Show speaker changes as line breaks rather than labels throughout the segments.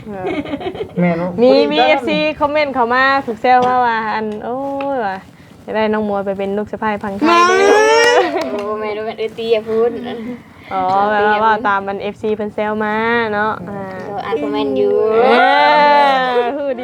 แม่เนาะ
มี FC คอมเมนต์เข้ามาถูกแซวว่าอันโอ้ยว่าจะได้น้องมัวไปเป็นลูกสะใภ้พังไทยเด้อ
โอ้แม่รู้เป็นตีอย่าพูด
อ๋อแบบว่าตามมัน FC เพิ่นแซวมาเนาะ
เราอ่านคอมเมนต์อยู่
ฮู้ดี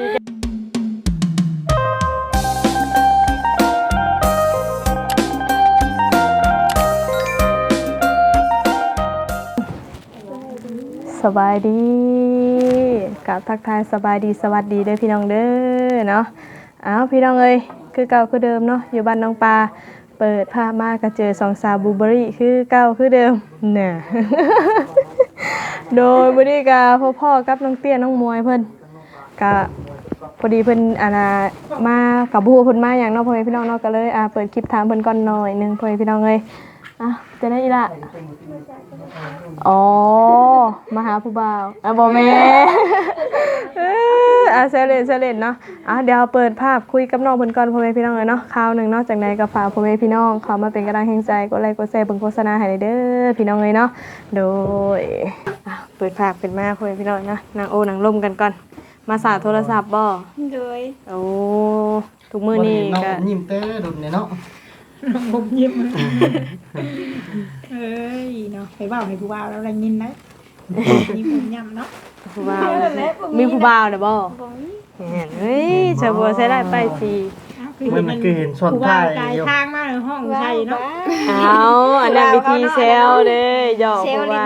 สบายดีกับทักทายสบายดีสวัสดีเด้อพี่น้องเด้อเนาะอ้าวพี่น้องเอ้ยคือเก่าคือเดิมเนาะอยู่บ้านน้องปลาเปิดภาพมาก็เจอ2 สาวบูเบอรี่คือเก่าคือเดิมน่ะ โดยมื้อนี้ก็พ่อกับน้องเตี้ยน้องมวยเพิ่นก็พอดีเพิ่นมากับผู้เพิ่นมาหยังเนาะพ่อแม่พี่น้องเนาะก็เลยเปิดคลิปถามเพิ่นก่อนหน่อยนึงพ่อแม่พี่น้องเอ้ยจะได้อีละอ๋อมาหาผู้บ่าวบ่แม่เซเลนเนาะเดี๋ยวเปิดภาพคุยกับน้องเพิ่นก่อนพ่อแม่พี่น้องเอ้ยเนาะคราวนึงเนาะจากไหนก็ฝากพ่อแม่พี่น้องเข้ามาเป็นกำลังใจกดไลค์กดแชร์เบิ่งโฆษณาให้เด้อพี่น้องเอ้ยเนาะโดยเปิดภาพเป็นมาพ่อแม่พี่น้องนะนางโอนางล่มกันก่อนมาสาโทรศัพท์บ่
โดย
โอ้ทุกมื้อนี้ก็
ยิ้มเต้ดุเนี่ยเนาะ
ผมยิ้มเอ้ยเนาะไปบ่าวให้ผู้บ่าวแล้วอะไรยินนะมีผมย่ำเนาะ
ผู้บ่าวมีผู้บ่าวเด้อบ่เฮ้ยจะบ่ใช้ได้ไปสิ
มันคือเห็นส่วนท้ายอยู่
ทางมาในห้องใช่เนาะ
อันนั้นวิธีเซลเด้หยอกเพราะว่า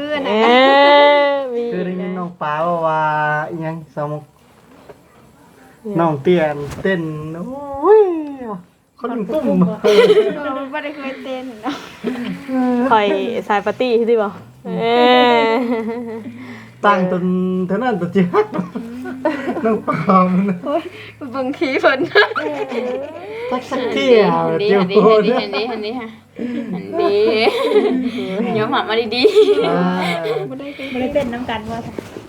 คือได้ยินน้องป้าว่าอีหยังสมุกน้องเตี้ยนเต้นโอ้ยคนตุ้ม
ไม่ได้เคยเต้นเนาะ
คอยสายปาร์ตี้ใช่ป่ะ
ตั้งจนเท่านั้นตัวจริงน้องป้ามัน
บางทีเพิ่น
สักที่อ่ะ
ดี
เดี๋ยว
ดีดีค่ะดีย้อมหักมาดี
ๆไม่ได้เต้นน้ำกันว่า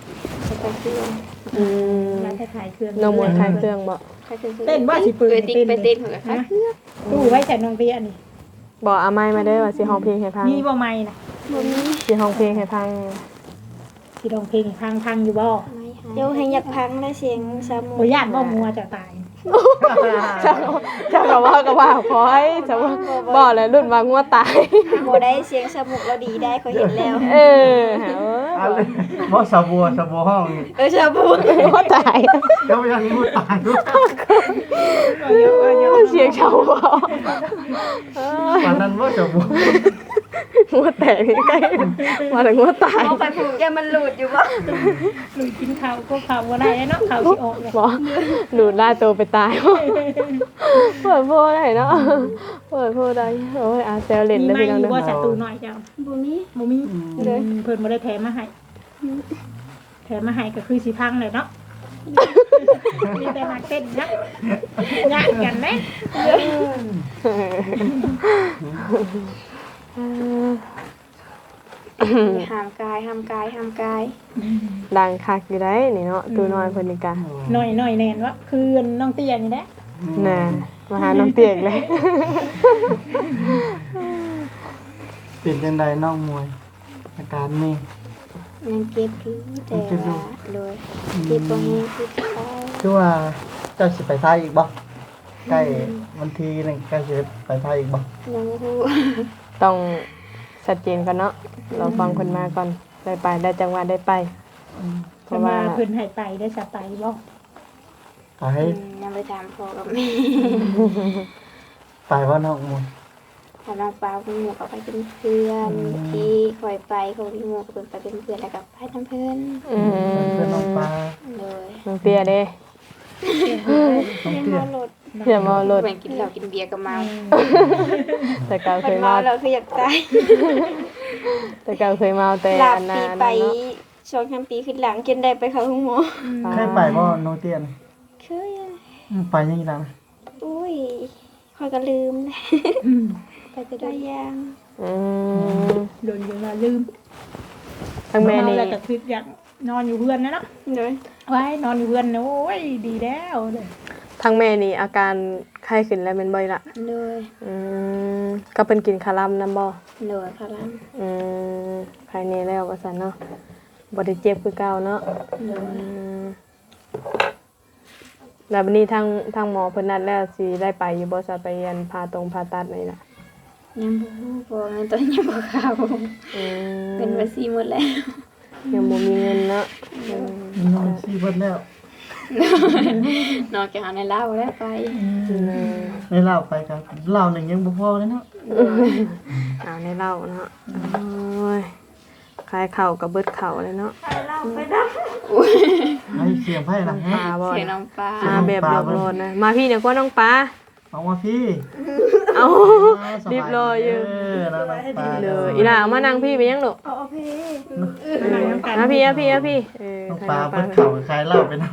ร้านขายเครื่อง
น้องมวยขายเครื่องบ่
เต้นว่าสิปืน
ไปเต้นเหรอคะ
ตู้ไว้ใส่น้องเตี้ยนี่
บอกอาไม้มาได้ว่าสิห้องเพลงให้พัง
มีบ่ไม้นะ
สิห้องเพลงให้พัง
สิร้องเพลงให้พังอยู่บ่
เดี๋ยวให้อยากพังได้เสียงซามู
บ่ย่านบ่มัวจะตาย
จะบอกว่าพอยจะบอกเลยรุ่นว่างัวตาย
บ่ได้เสียงสมุกเราดีได้เขาเห็นแล้ว
เพราะสาบัวห้อง
ชาบู
งัวตาย
แล้วยังงัวตายด้วย
เสียงชาวบ้าน
ตอนนั้นว่าสาบัว
งัวแตกใกล้มาถึงงัวตาย
เอาไปผูกแกมันหลุดอยู่บ่
หลุดกินข้าวก็ข้าวบ่ได้เนาะข้าวสิออกเลย
บ่หลุดล่าตัวไปตายเปิดโพได้เนาะเปิดโพได้โอ้ยเซลเล่นได้พี่น้องเด้อ
บ่ศัตรูน้อยเจ้า
บ่มี
เลยเพิ่นบ่ได้แถมมาให้ก็คือสิพังเลยเนาะมีแต่มาเต้นนะยากกันไหม
ห้ามกาย
ดังคักอยู่ได้นี่เนาะตัวน้อยเพิ่นนี่กะ
หน่อยแน่นวะคือน้องเตี้ยนี่แหละ
น่ะมาหาน้องเตี้ยเลย
เป็นจังไดน้องมวยอาการนี่
ยังเก็บอยู่แต่ว่าโดยเก็บบ่แห้งคือ
คือว่าเจ้าสิไปไทยอีกบ่ใกล้วันที่นึงใกล้สิไปไทยอีกบ่
ยังฮู้
ต้องชัดเจนกันเนาะเราฟังคนมาก่อนได้ไปได้จังหวะได้ไป
เพราะว่าเพิ่นให้ไปได้จะไปบ่
ไป
ยังไปถามพ่อกับแม่
ไปว่าน้องมวย
ถ้าน้องปลาคุณหมูก็ไปเป็นเพื่อนที่คอยไปเขาพี่หมูก็ไปเป็นเพื่อนแล้วก็ไปทำเพื่อน
เพื่อนน้องปลา
เลย
น้องเตี้ยเด้เพื่อนเมารถ
เหมือนกินเหล้ากินเบียร์ก็เมา
แต่เก่าเคยเมา
เราคืออยากตาย
แต่เก่าเคยเมาแต่
อันนั้นไป2-3 ปีขึ้นหลังจนได้ไปเข้าห้องหมอ
เคยไปบ่น้องเตี้ยน
เคย
ไปยังไงล่ะ
อุ้ยคอยก็ลืมไปจะได้ยัง
โดนอยู่ว่าลืม
ทั้งแม่นี่
แล้วก็คืออยากนอนอยู่เพื่อนนะเนาะไว้นอนอยู่เพื่อนโอ้ยดีแล้วเลย
ทั้งแม่นี่อาการไข้ขึ้นแล้วเป็นบ่อยละ
เลย
ก็เป็นกินคารัมน้ำบ่
เลยคารัม
ภายในแล้วว่าซั่นเนาะบ่ได้เจ็บคือเก่าเนาะแล้ววันนี้ทางหมอเพิ่นนัดแล้วสิได้ไปอยู่บ่ซะไปอันผ่าตัดนี่ล่ะ
ยังบ่ฮู้บ่งั้นตอนยังบ่เข้าเป็นภาษีหมดแล้ว
ยังบ่มีเงินเนาะ
นอนซีเบิดแล้ว
นอกจากหาในเล่าแล้วไป
ในเล่าไปกันเล่าหนึ่งยังบ่พอเลยเนาะ
เอาในเหล้าเนาะโอ้ยคลายเข่ากับเบิดเข่าเลยเนาะ
ให้เสียงไพ่ละ
ป
ฮะ
ลาบ่
เสียน้องปลา
มาแบบเรียบร้อยนะมาพี่เนี่ยก็น้องปลา
เอามาพี่
เอารีบรออยู่
นะน้องปลา
เลยอีหล่าเอามานั่งพี่ไปยังลูก
เอาพี่
เอาพี่เอาพี่เอาพี่เออ
น้องปลาเพิ่นเข่าใครเล่าไปนะ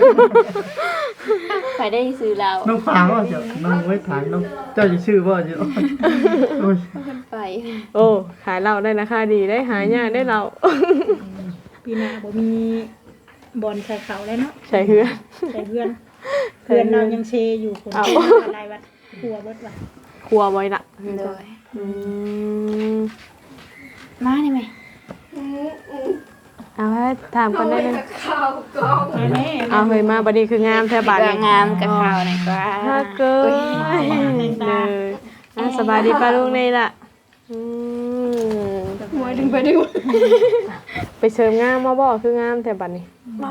ไปได้ซื้อเรา
น้องปลาว่าจะน้องไว้ถามน้องเจ้าจะชื่อว่าจะโอ้ย
ไป
โอ้ขายเหล้าได้ราคาดีได้หายากได้เหล้า
ปีหน้าบ่มีบอลใส่เขาแล้วเนาะ
ใช่เฮือ
ใส่เพื่อนเรายังเชอยู่คนอะไรวะกลัวเบิดว่ะ
ครัวไว้ละ
เลย
อืม
มาได้ไหม
เอาให้ถามกันได้เลย
แม่
เอาเฮ้ยมาบัดนี้คืองามแท้บาดนี้
งามกับข่าวหน่อยกว่า
ถ้าเกินเลยอ่ะสบายดีป้าลูกนี่ล่ะ
มวยดึงไปดึง
ไปเสริมงามมาบอกคืองามแต่บัดนี้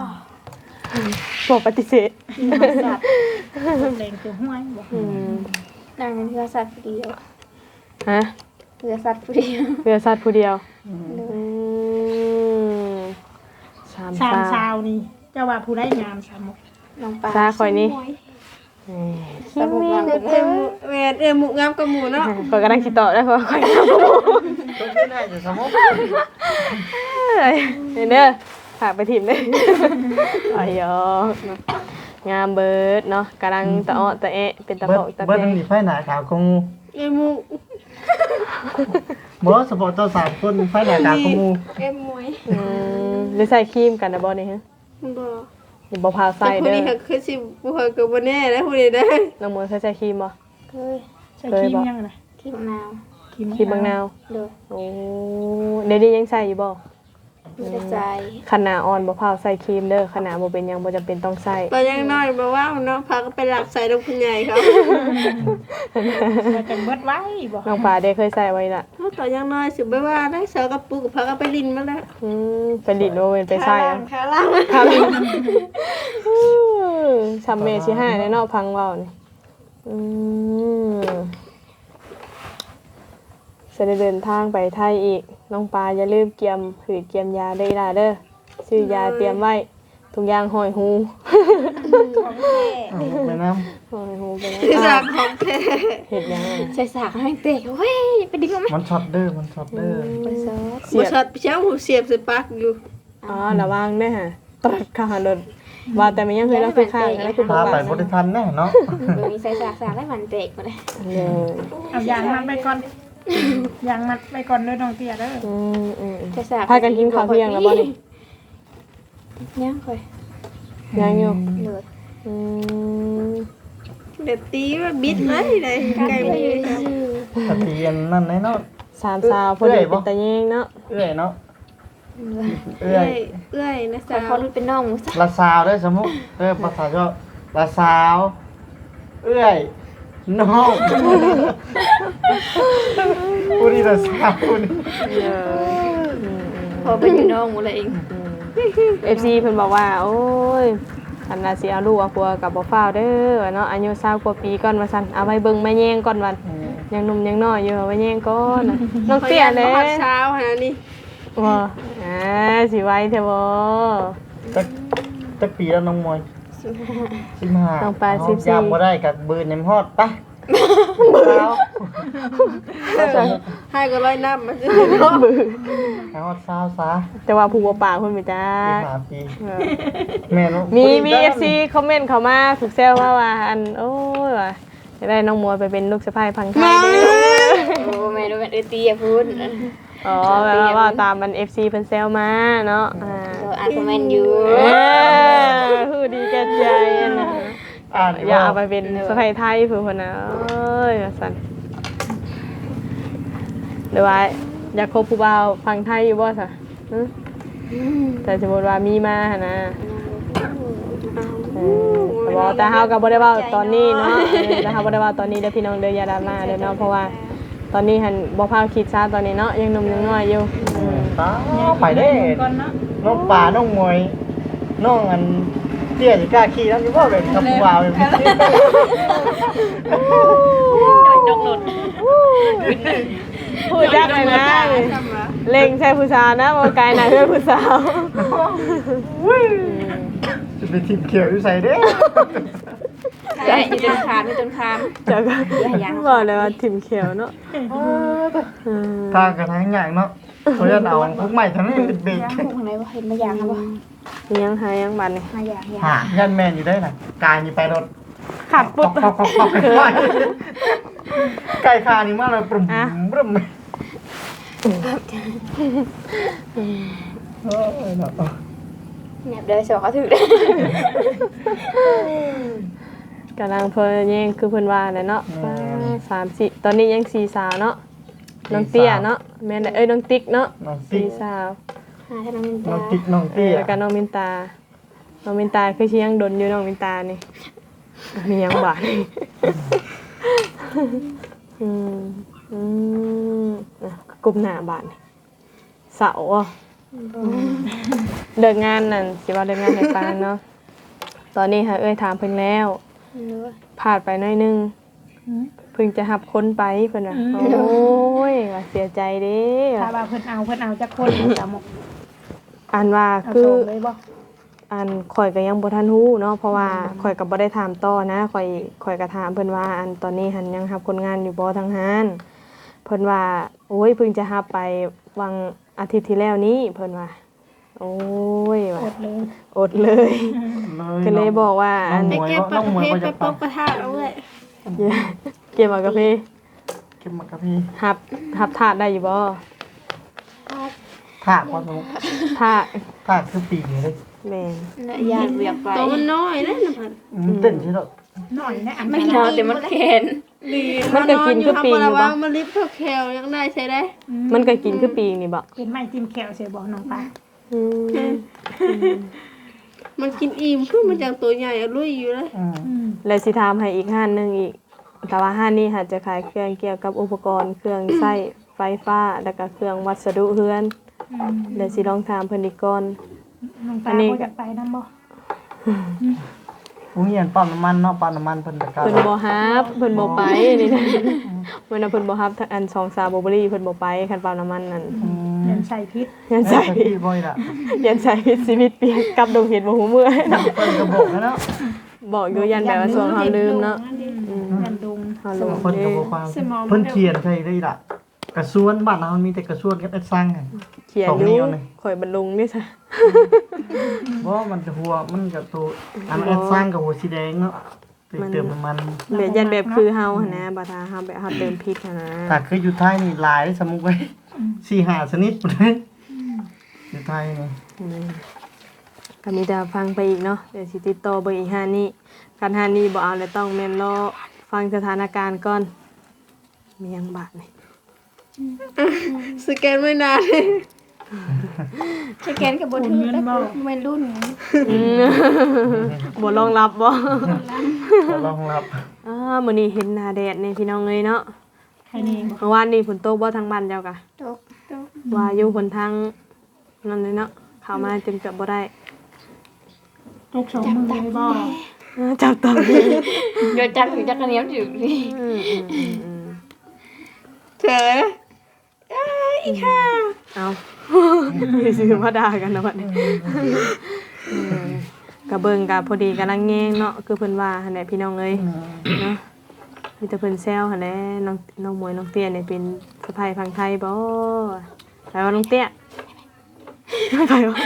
บอกปฏิเสธ
สัตว์
แรงตัวห้วยบ่
นางเป็นเพื่อสัตว์ผู้เดียว
ฮะ
เพื่อสัตว์ผู้เดียว
เรือสัตว์ผู้เดียวสาม
สาม
ตา
ชาวนี่เจ้าว่าผู้ได้งามสามมุก
น้องปลา
ตาข่อยนี่
สมุกงามกับหมู
แม่หมูงามกับหมูเนาะ
ข่อยกำลังคิดต่อได้เพราะข่อยงาม
ต้องชื่อได้จะสมมติ
เห็นเด้อฝากไปถิ่มเลยอ้อยงามเบิดเนาะกำลังตะอ้อตะเอะเป็นตะ
เบิ
โป
ด
ตะ
เบิด
เพ
นั่นนี่ไพ่หนาขาวคง
หมู
บ่สปอร์ตเจ้า3คนไพ่หนาขาวคงงู
มวย
หรือใส่ครีมกันนะบ่นี่ฮะ
บ่
อย่าบ่พาวใส่
ผู้
เด้อ
นี้คือสิบ่เคยกับบ่แน่แล้วผู้นี้ได้
น้องมวยเคยใส่ครีมบ่
เคย
ใส่ครีมยังไง
ขี้มะนาว
ครีมบางนาว
เลย
โอ้เดี๋ยวนี้ยังใส่อยู่บ่
มีแต่ใจ
ขนาดอ่อนบ่พาวใส่ครีมเด้อขนาดบ่เป็นหยังบ่จำเป็นต้องใส่
ตอนยังน้อยบ่ว่าเนาะพาก็ไปหลักใส่ดอกผู้ใหญ่เขา
มันจะเบิดไว้บ่
น้องปลาได้เคยใส่ไว้ล่ะ
ตอนยังน้อยสิบ่ว่าได้เสือกระปุกพาก็ไปลินมาแล้ว
ไปดิดโนเวนไปใส่อ่ะ
ขาล่าง
ครับซัมเมชิห้าในนอกพังเว้านี่จะได้เดินทางไปไทยอีกน้องปลาอย่าลืมเกียมหืดเกียมยาได้ล่ะเด้อซื้อยาเตรียมไว้ทุกอย่างหอยหู
ไปน้
หอยหูไปแล้ว
คือจากของแท้
เห็ดยังไง
ใส่สากให้เตะเฮ้ยไปดึงมาไหม
ำมันช็อตเด้อมันช็อตเด้อ
ไปซอส
เสี
บ่
ยบ
ชัดเช้าหูเสียบใส่ปากอยู่
อ๋อระวังเด้อฮะตรัดขาโดนว่าแต่มันยังเคยเราคือข้างแล้วคือ
พา
บ่
ไป
ปาก
บ่ได้ทันแน่เนาะ
มีใส่สากได้มันเตะมาเลย
เลย
เอายางมัดไปก่อนยางมัดไปก่อนเด้อน้องเตี้ยเด้อ
ใส่สาก
พากันกินข้าวเที่ยงแล้วบ่นี่
ยังค่อย
ยังอยู่
เลย
เดี๋ยวตีว่าบิดเลยได้ไก่บ่อยู่ครับ
ตะเตียนนั่นแน่เนาะ
สามสาวพอดีเป็นตะแยงเนาะ
เอื้อยเนาะเอื้
เอื้
อ
อย ยเอื้อยนะ
แต่
สาว
เขาดูเป็นน้องมุส
ละสาวได้สมมุติภาษาชอบละสาวเอื้อยน้องผู้นี้ละสาวผู้นี้
พอไปอยู่น้องมุเลยเอง
FC เพิ่นบอกว่าโอ้ยอันน่ะสิเอาลูกเอาผัวกับบ่ฟ้าวเด้อเนาะอายุ20กว่าปีก่อนว่าซั่นเอาไว้เบิ่งแม่แยงก่อนวันยังหนุ่มยังน้อยอยู่เอาไว้แยงก่อนน่ะน้องเตี้ยแหล้
ฮอดเช้าหานี่
บ่สิไว้แท้บ่
จักปีแล้วน้องมวย15
น้องปลา14
ยามบ่ได้กับบืนน้ำฮอดปะสาว
ให้ก็ร้อยน้ำมาซื้อ
ฮอดสาวซะ
แต่ว่าผู้บ่ปากเพิ่นไปจ้า
15ปีแม่น้อง
มี FC คอมเมนต์เข้ามาถูกแซวว่าอันโอ้ยว่าจะได้น้องมวยไปเป็นลูกสะใภ้พังไทยเด้อ
โอ้แม่ดูเป็นตีอย่าพูด
อ๋อแบบว่าตามมัน FC เพิ่นแซวมาเนาะ
อ่านคอมเมนต์อยู่
ฮู้ดีแก่ใจอะนะ
อ่าน
อย่าเอาไปเป็นสะใภ้ไทยเพิ่นพุ่นน่ะเอ้ยว่าซั่นหรือว่าอยากคบผู้บ่าวพังไทยอยู่บ่ซะแต่สมมุติว่ามีมาหั่นนะแต่เฮาก็บ่ได้เว้าตอนนี้เนาะแต่เฮาบ่ได้เว้าตอนนี้เด้อพี่น้องเด้ออย่าดราม่าเด้อเนาะเพราะว่าตอนนี้หันบ่พาคิดซะตอนนี้เนาะยังหนุ่มยังน้อยอยู่
ไปเด้
ก่อนเนาะ
น้องป่าน้องมวยน้องอันเตี้ยสิกล้าขี่นำอยู่บ่เป็นกับผู้บ่าวเป็น
ดอกหลุด
พูดจักเลยนะเล็งใส่ผู้สาวนะบ่ไกลหน้าเพื่อนผู้สาว
จะไปทิ่มเขียวอยู่ใส่เด้
ใช่อยู่จนคามอยู่จนคาม
จักบอกเลยว่าถิ่มเขียวเนาะ
ทางกระทางอย่างเนาะเขาจะเอาพวกใหม่ทั้งนี้เป็นเบรก
ย่างพวกไหนว่าเห็นมาอย่างครับว่า
ยังหายังบัดนี่
มาอย่างอย่าง
หายันแมนอยู่ได้น่ะกายนี่ไปรถ
ขับปุ๊บ
ไก่คานี่มาเลยปรุ่มปรุ่ม
เนี่ยเดี๋ยวสอกเขาถือก
ำลังเพิ่นแย่งคือเพิ่นว่าแหละเนาะ3-4ตอนนี้ยัง4สาวเนาะน้องเตี้ยเนาะแม่นน้องติ๊กเนาะ
น้องติ๊ก
4สาว
หาท่านน้องมิน
น้
ตา
องติ๊กน้องเตี้ย
แล้วก็น้องมินตาน้องมินตาคือสิยังดนอยู่น้องมินตานี่มียังบาดนี่กลุ่มหน้าบาดนี่เสาอ่ะเดินงานนั่นสิว่าเดินงานให้ฟังเนาะตอนนี้ค่ะถามเพิ่นแล้วผ่านไปหน่อยนึงเพิ่งจะหับคนไปเพิ่นว่าโอ้ยว่าเสียใจเด้
ถ้าว่าเพิ่นเอาจักคนสามหมก
อันว่า
เอา
คือ
ส่งเลยบ่
อันข่อยก็ยังบ่ทันฮู้เนาะเพราะว่าข่อยก็บ่ได้ถามต่อนะข่อยก็ถามเพิ่นว่าอันตอนนี้หันยังรับคนงานอยู่บ่ทางหานเพิ่นว่าโอ้ยเพิ่งจะรับไปวันอาทิตย์ที่แล้วนี้เพิ่นว่าโอ้ยว่า
อดเลย
ก็เลยบอกว่า
น้
อั
อง
น
มวย
เก็บ
น้องมวย
เพ
ก็
ชรไป
จะ
ปกกระทะเอาเลย
เก็บมากาแฟ
เก็บมากับพี่
รับถาดได้อยู่บ่
ถากว่าสมุก
ถาด
ถากคือปีนี้เลย
แม่น
เนี่ยยานเบียกไป
ตัวมันน้อยนะนะพัน
มันเต้นใช่หรอ
หน่อยนะอัน
ไม่นอนแต่มันแข็ง
ดี
มันก็กินคือปี
อยู่
นี่
บ่
บ่
มันลิฟต์เท่าแคลยังได้ใช้ได้
มันก็กินคือปีนี่บ่
เป็นไม้จิ้มแขวเสียบอกน้องปลา
อืม
มันกินอิ่มคือมันจากตัวใหญ่อะลุยอยู่เลย
แล้วสิถามให้อีกห้านหนึงอีกแต่ว่าห้านนี้ค่ะจะขายเครื่องเกี่ยวกับอุปกรณ์เครื่องใช้ไฟฟ้าแล้วก็เครื่องวัสดุเฮือนเดี๋ยวสิลองถามเพิ่นอีกก่อน
น้องปลา
อันนี้
เขาอยากไปนำบ่
อุ้งเหียนปั๊มน้ำมันเนาะปั๊มน้ำมันเพิ่นตะการ
เพิ่นบ่ฮับเพิ่นบ่ไปนี่นะเพิ่นน่ะเพิ่นบ่ฮับอัน2ซาบ่บรี่เพิ่นบ่ไปคันปั๊มน้ำมันนั่น
เงินใส่พิษ
ยัน
ใส่
ใส่
พี่บ่อยล่ะ
ยันใส่ชีวิตเปลี่ยนกลับดงเห็ดบ่ฮู้เมื่อย
เพิ่นก็บอกแล้วเนาะ
บอกอยู่ยันแบบว่าช่วงเฮาลืมเนาะ
ยันดุง
เฮาลืม
เพิ่นก็บ่ฟังเพิ่นเขียนใช่ได้ล่ะกระสวนบ้านเรามีแต่กระสวนกับสร้างไง
เขียน
สอง
อ
นิ้
ยู่
วเลย
ข่อยบรรลุงนี่ซะ
บ่มันจะหัวมันกับตัวอันสร้างกับหัวสีแดงเนาะไปเติมน้ำมัน
แบบยันแบบคือเฮาหั่นนะบ่ถ้าเฮาแบบเฮาเติมพริกหั่นนะ
ถ้าคืออยู่ไทยนี่หลายสมุกไว้4-5ชนิดพุ่นเลยอยู่ไทยนี่
ก็มีแต่ฟังไปอีกเนาะเดี๋ยวสิติดต่อเบิ่งอีกห้านี้คันห้านี้บ่เอาแล้วต้องแม่นรอฟังสถานการณ์ก่อนมีหยังบาดนี่
สแกนไม่นานเลย
สแกนกับบนถือแต่วัยรุ่น
บ่รองรับบ่
ก็ลองรับ
มื้อนี้เห็นหน้าแดดนี่พี่น้องเอ้ยเนาะ
ใครนี่
เมื่อวานนี้ฝนตกบ่ทางบ้านเจ้ากะ
ตก
ว่าอยู่คนทางนั่นเลยเนาะเข้ามาจนเกือบบ่ได้
ตก2มือเลยบ่
จับต้อง
เดี๋ยวจักถึงจักกระเนียมถึงนี่
เธออีกค่ะ
เอาสิซื้อมาด่ากันนะบัดนี้กะเบิ่งกะพอดีกำลังแยงเนาะคือเพิ่นว่าหั่นแหละพี่น้องเอ้ยเนาะมีแต่เพิ่นแซวหั่นแหละน้องมวยน้องเตี้ยนี่เป็นสะใภ้พังไทยบ่ไปว่าน้องเตี้ยไม่ไปวะ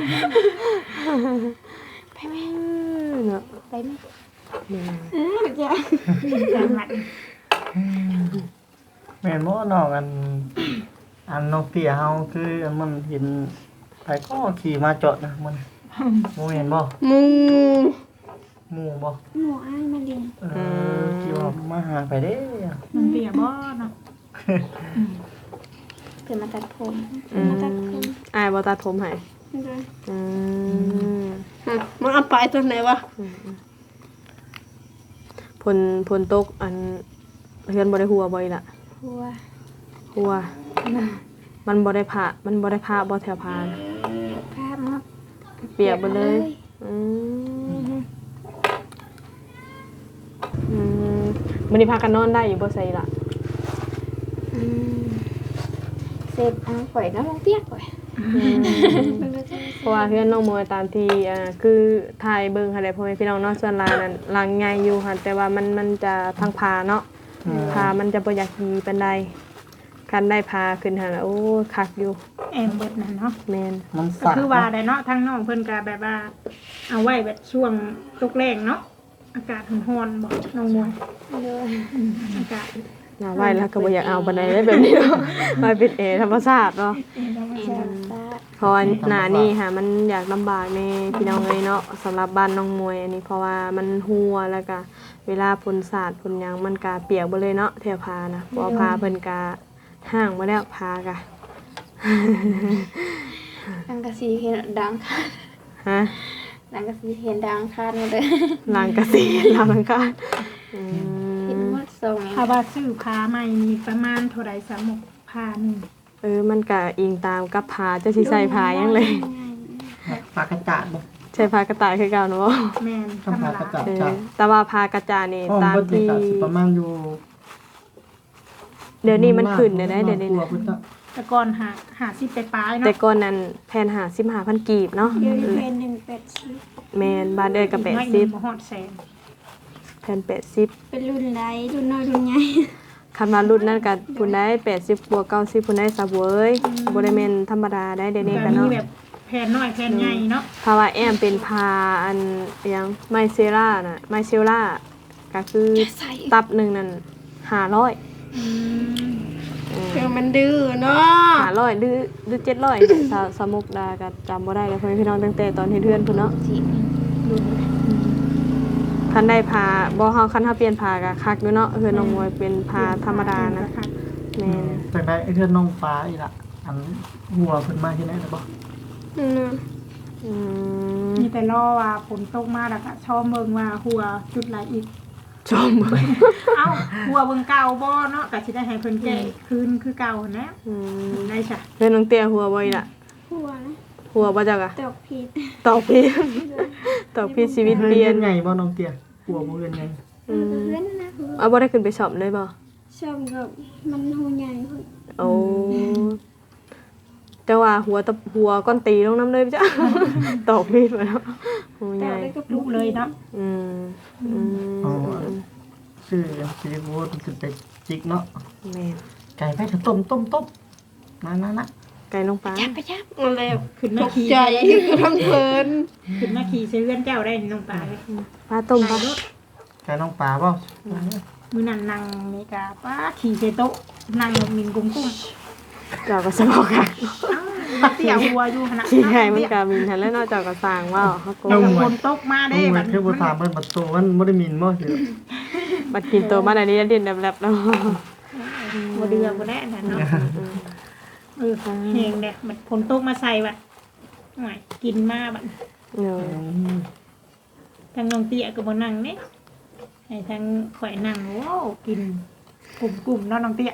ไปไหม
เนาะ
ไปไหม
จังหวัด
แม่นบ่น้องอันน้องเตี้ยเฮาคือมันเห็นไปก็ขี่มาจอดนะมันบ่เห็นบ่
มู
หมู่บ่
หนูอ้ายมาเรียน
ขี่ว่ามาหาไปเด้
น้องเตี้ยบ่เนาะ
เกิดมาตัดผม
อายบ่ตัดผมให้
เลย
อืม
มันเอาไปตอนไหนวะ
พลตกอันเฮือนบ่ได้หัวบ่อีล่ะ
หัว
หัวมันบ่ได้ผ่าบ่แถวผ่านะ
ภาพมา
เปียกหมดเลยอืมมื้อนี้พากันนอนได้อยู่บ่ใส่ล่ะ
เสร็จข่อยน้ำลงเปียกข่อย
เพราะว่าเพื่อนน้องมวยตามที่คือถ่ายเบิ่งหั่นแหละพ่อแม่พี่น้องเนาะส่วนหลายนั้นหลังใหญ่อยู่หั่นแต่ว่ามันจะพังพาเนาะพามันจะบ่อยากดีปานใดคันได้พาขึ้นหั่นโอ้คักอยู่
แอมเบิดนั่นเนาะ
แม่น
มัน
ก็
สัก
คือว่าได้เนาะทั้งน้องเพิ่นก็แบบว่า เอาไว้แบบช่วงตกแรงเนาะอากาศร้อนๆบ่น้องมวย
เลย
อากาศ
น่าไว้แล้วก็บ่อยากเอาปานใดเลยแบบนี้เนาะมาเป็นแอร์ธรรมชาติเนาะ
แอนตา
เพราะว่าหน้านี่ค่ะมันอยากลำบากในพี่น้องเลยเนาะสำหรับบ้านน้องมวยอันนี้เพราะว่ามันหัวแล้วก็เวลาฝนสาดฝนหยังมันก็เปียกบ่เลยเนาะแถวพานะเพราะว่าพาเพิ่นก็ห่างมาแล้วพากะ
ดังกะสีเห็นดังค่ะ
ฮะ
ดังกะสีเห็นดังค่ะมาเลย
ลางกะสีลางกาอื
เห็น
ม
หมดทรง
ถ้าว่าซื้อผ้าใหม่นี่ประมาณเท่าใดสามหกผ้าหนึง
มันก็อิงตามกับพาเจ้าสิใส่พายังเลย
ปากกระจาดบ่
ใช่พากระต่ายคือเก่าเนาะ
แม่นธร
ต้อง
รม
พากระ
ดา
จาด
เออ
จ้ะ
แต่ว่าพากระจานี่
ห้อง
ตาม
เบิดนี่
ที่
ก็สิประมาณอยู่
เดี๋ยวนี้มันขึ้นได้เดี๋ยวนี้
กลั
นะ
พุ่นจ้ะ
แต่ก่อนหาสิไปปลาย
แต่
เนาะ
ก่อนนั้นแพน55,000กีบเนาะ
เดี๋ยวนี้เป็น180
แมนบ้านเอ้ยก็
น้อยหนึ่งบ่
80
ฮอดแสน
แพน80
เป็นรุ่นใดรุ่นน้อยรุ่นใหญ่
คันว่ารุ่นนั้นก็ผู้ใด80บวก90ผู้ใดซะเว้ยบ่ได้แม่นธรรมดาได้เดี๋ยวนี้
ก็
ก็
มี
เนาะ
แบบแผ่นน้อยแผ่นใหญ่เนาะ
ภาวะแอมเป็นพาอันหยังไมเซล่าน่ะไมเซล่าก็คือตับหนึ่งนั่น500
อืม
คือมันดื้อเนาะ
500หรือ700เนี่ยสมุกดาก็จำบ่ได้แล้วพ่อแม่พี่น้องตั้งแต่ตอนเฮ็ดเฮือนพุ่นเนาะ
สิ
คันได้พาบ่เฮาคันเฮาเปลี่ยนพาก็คักอยู่เนาะเฮือนน้องมวยเป็นพาธรรมดานะแม่น
จากได้ไอ้เทือนน้องฟ้าอีล่ะอันหัวเพิ่นมาที่ไหนล่ะบ่
อืม
มีแต่รอว่าฝนตกมาแล้วก็ชอบเบิ่งว่าหัวจุดไหลอีก
ชม
เอ้าหัวเบิ่งเก่าบ่เนาะก็สิได้ให้เพิ่นแก้คืนคือเก่านะ
อืม
ได้จ้ะ
เฮือนน้องเตี้ยหัวบ่อีล่ะ
หัวนะ
หัวบ่จักอะ
ตกผิด
ตอกพี่ ตอกพี่ชีวิตเปลี่ยน
ไงบ่น้องเตี้ยหัวบ่เรียนไง
อืม
เพื่อนนะ
เอาบ่ได้ขึ้นไปสอบเลยบ่
ชอบกับมันหูใหญ่พุ่น
โอ้แต่ว่าหัวก้อนตีลงน้ำเลยจ้ะ ตอกมีดมาแล้วโอ้ย
แต่
ใหญ่
ได้กับ
ลุกเลยเนาะ
อืมอืม
ชื่อสิริบูรณ์ขึ้นไปจิกเนาะ
แม่น
ไก่ไปเถอะต้มนะ
ไก่ลงปลา
จับไปจับ
อะไร
ขึ้น
ต
มาก ขี่
ใจคือทั้งเพลิน
ขึ้นมาขี่ใส่เรือนเจ้าได้นี่น้องปลาเลย
ปลาต้มปลา
ไก่น้องปลาเปล่า
มื้อนั้นนั่งนี่ก็ป้าขี่ใส่โต๊ะนั่งมินกุ้ง
เจ้าก็สบอกค่ะ
อ้าวเตี่ยหัวอยู่หั่นน่ะ
ขี้ไก่มันกามินทันแล้วเนอกจากก็สร้างว่าเขาโก
แล้ว
ง
ก็ฝนตกมา
น้
ได้
อง
แบ
มัน
บ
คือบ่ถามเพิ่นประตูมันบ่ได้มีนบ่เด้อ
บัดกินตัวมาอันนี้เด่นแลบๆแล้ว
บ่เดือบ่ได้นั่นเนาะแห้งเด้มันฝนตกมาใส่บัดหน่อยกินมาบัด
เนาะ
ทางน้องเตี้ยก็บ่นั่งเด้ให้ทางข่อยนั่งโว้กินกลุ่มๆเนาะน้องเตี้ย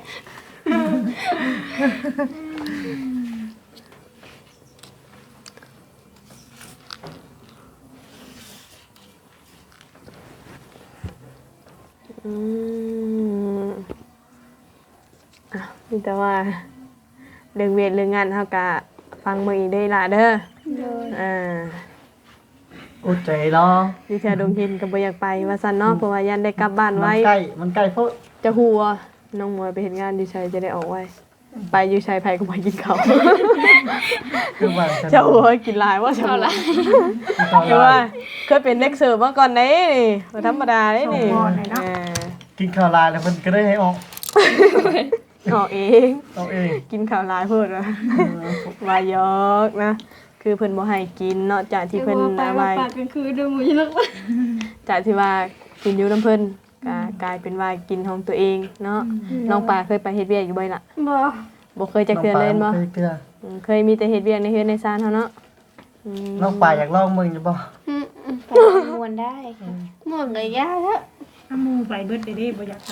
อืมอ่ะมีแต่ว่าเรื่องเวทเรื่องงานเฮาก็ฟังมื้ออีกได้ล่ะเด้อ
เลย
อ่า
โอ้ใจรอ
อยู่แถวดงเห็นก็บ่อยากไปว่าซั่นเนาะเพราะว่ายันได้กลับบ้านไว้
มันใกล้โพด
จะหัวน้องมวยไปเฮ็ดงานอยู่ไสจะได้ออกไว้ ไปอยู่ไสไผก็บ่กินข้าว
คือว่า
จะหัวกินหลายว่าซั่นล่ะแต่ว่าเคยเป็นเด็กเสิร์ฟมาก่อนเด้นี่บ่ธรรมดาเด้นี่อ่า
กินข้าวลายแล้วเพิ่นก็ได้ให้ออก
ออกเอง
เอาเอง
กินข้าวหลายเพิ่นว่าว่ายอกนะคือเพิ่นบ่ให้กินเนาะจากที่เพิ่น
ไป
เอา
ว่า
ไว้
ปากกลางคืนดูหมูยลัก
จากที่ว่ากินอยู่น้ำเพิ่นก็กลายเป็นว่ากินของตัวเองเนาะน้องปลาเคยไปเฮ็ดเวียกอยู่บ่ล่ะ
บ่
บ่เคยจะเทื่อเล่นบ่
เคยเทื่อ
เคยมีแต่เฮ็ดเวียกในเฮือนในซ่านเฮาเนาะ
น้องปลาอยากลองมึงอยู่บ่
ไปมวนได้
หมดเลยยาแล้ว
ถ้าหมูไปเบิดเด้บ่อยากไป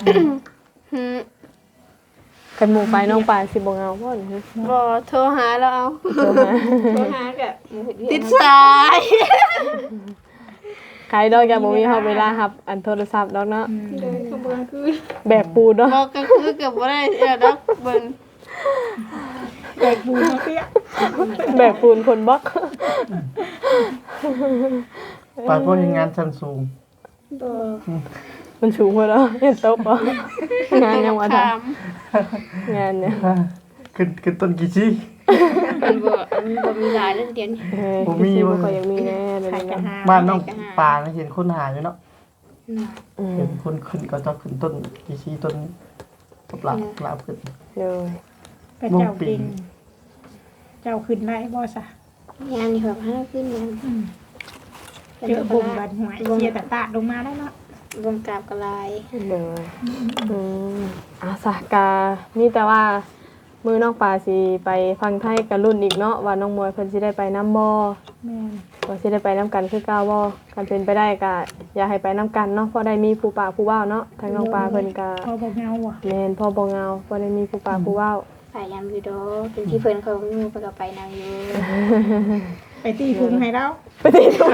กันหมู่ไปน้องปลาสิบ่เงาบ่นี่
บ่โทรหาแล้วเอา
โทรมา
โทรหากับมือถือ
ติดสาย
ใครดอกอย่าบ่มีเฮาเวลารับอันโทรศัพท์ดอกเนาะ
เดินขบวนคือ
แบบปูเนาะ
บอกก็คือกับบ่ได้ดอกเบิ่ง
แบกบูมาเตี้ย
แบบปูนคนบล็อก
ปลาพวกงานชั้นสูง
มันสูงกว่าแล้วเห็นโต๊ะบ่งานยังว่าท
ถาม
ำงานเนี่ย
ขึ้นต้นกี่ชี้
มันบ่มีหลายเรื่องเดียวนี่
บ่มีบ่ค่อยยังมีแน่เลย
ใครจะ
นะ
หา
บ้านน้องปลาเห็นคนหาอยู่เนาะ
อืม
เห็นคนขึ้นก็จะขึ้นต้นกี่ชี้ต้นปลาขึ้น
เลย
กระเจ้าปิงเจ้าขึ้นได้บ่ซะ
งานนี่แบบห้าขึ้นงาน
เจอบุ่มบันหวยเชียร์แต่ตาดลงมาได้เนาะ
วงกราบกระลาย
เลยอาสากานี่แต่ว่ามือน้องปลาสิไปฟังไทยกับรุ่นอีกเนาะว่าน้องมวยเพิ่นสิได้ไปน้ำบ่
แม่น
ว่าสิได้ไปน้ำกันคือเก่าบ่กันเป็นไปได้ก็อย่าให้ไปน้ำกันเนาะเพราะได้มีผู้ป่าผู้ว่าวเนาะทางน้องปลาเพิ่นก็
พอบ่เงาว่ะ
แม่นพ่อบ่เงาบ่ได้มีผู้ป่าผู้ว่าว
พยายามอยู่ดอกเป็นที่เพิ่นเขางูไปกับไปนางอยู่
ไปตีพุงให้แล้ว
ไปติดตัว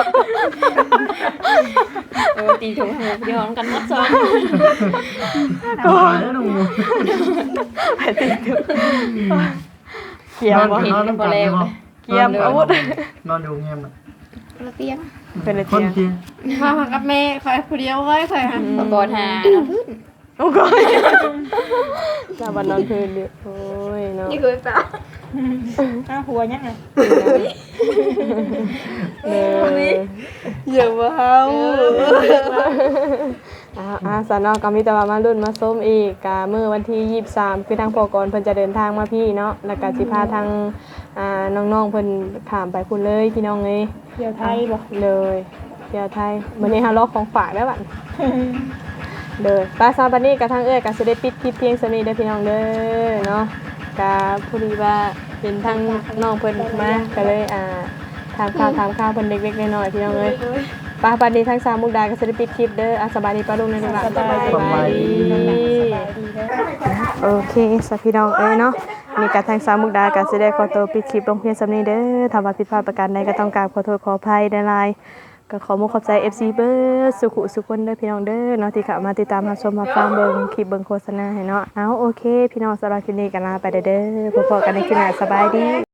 ตีถุงให้เดี๋ยวกันหมดซ้อน
ก่อนแล้วน้องมู
ไปติดตัวเกี่ยวบ่
นอนน้ำกันเลยบ่
เกี่ยมอาวุธ
นอนอยู่เงียบ
ระเตียง
เป็นอะไร
คน
เกี่ย
กิน
มากับแม่คอยผู้เดียวไว้คอยหา
ประกอบหาพื้น
โอ้ยลาบันนอนพื้นดิโอ้ยเนาะ
นี่คือเปล่า
อ้าวหัวยังไง
เด้อ
อย่าว่าเฮา
สานอกก็มีแต่ว่ามารุ่นมาส้มอีกกะมื้อวันที่23คือทางพอกรเพิ่นจะเดินทางมาพี่เนาะแล้วก็สิพาทางน้องๆเพิ่นข้ามไปพุ่นเลยพี่น้องเอ้ย
เที่ยวไทยบ่
เลยเที่ยวไทยมื้อนี้เฮารอของฝากได้อบัดเลยปลาซาบันนี่กับทางเอ้ยก็สิได้ปิดคลิปเพียงส่านี้เด้อพี่น้องเด้อเนาะก็พอดีว่าเป็นทางน้องเพิ่นมาก็เลยถามข่าวเพิ่นเล็กๆน้อยๆพี่น้องเอ้ยปลาบันนี้ทางสามมุกดาก็สิได้ปิดคลิปเด้อสบายดีป้าลุงในโรงหลานสบายดี
สบายดีเด้อ
โอเคสพี่น้องเอ้ยเนาะมีการทางสามมุกดาก็สิได้ขอตัวปิดคลิปลงเพียงส่านี้เด้อถ้าว่าผิดพลาดประการใดก็ต้องกราบขอโทษขออภัยในไลน์ ก็ขอมุขขอบใจ FC เบิร์ดสุขุสุคนเด้อพี่น้องเด้อเนาะที่เข้ามาติดตามรับชมมาฟังเบิ่งคลิปเบิ่งโฆษณาให้เนาะเอาโอเค พี่น้องสำหรับคลิปนี้กันลาไปเด้อพบกันในคลิปหน้าสบายดี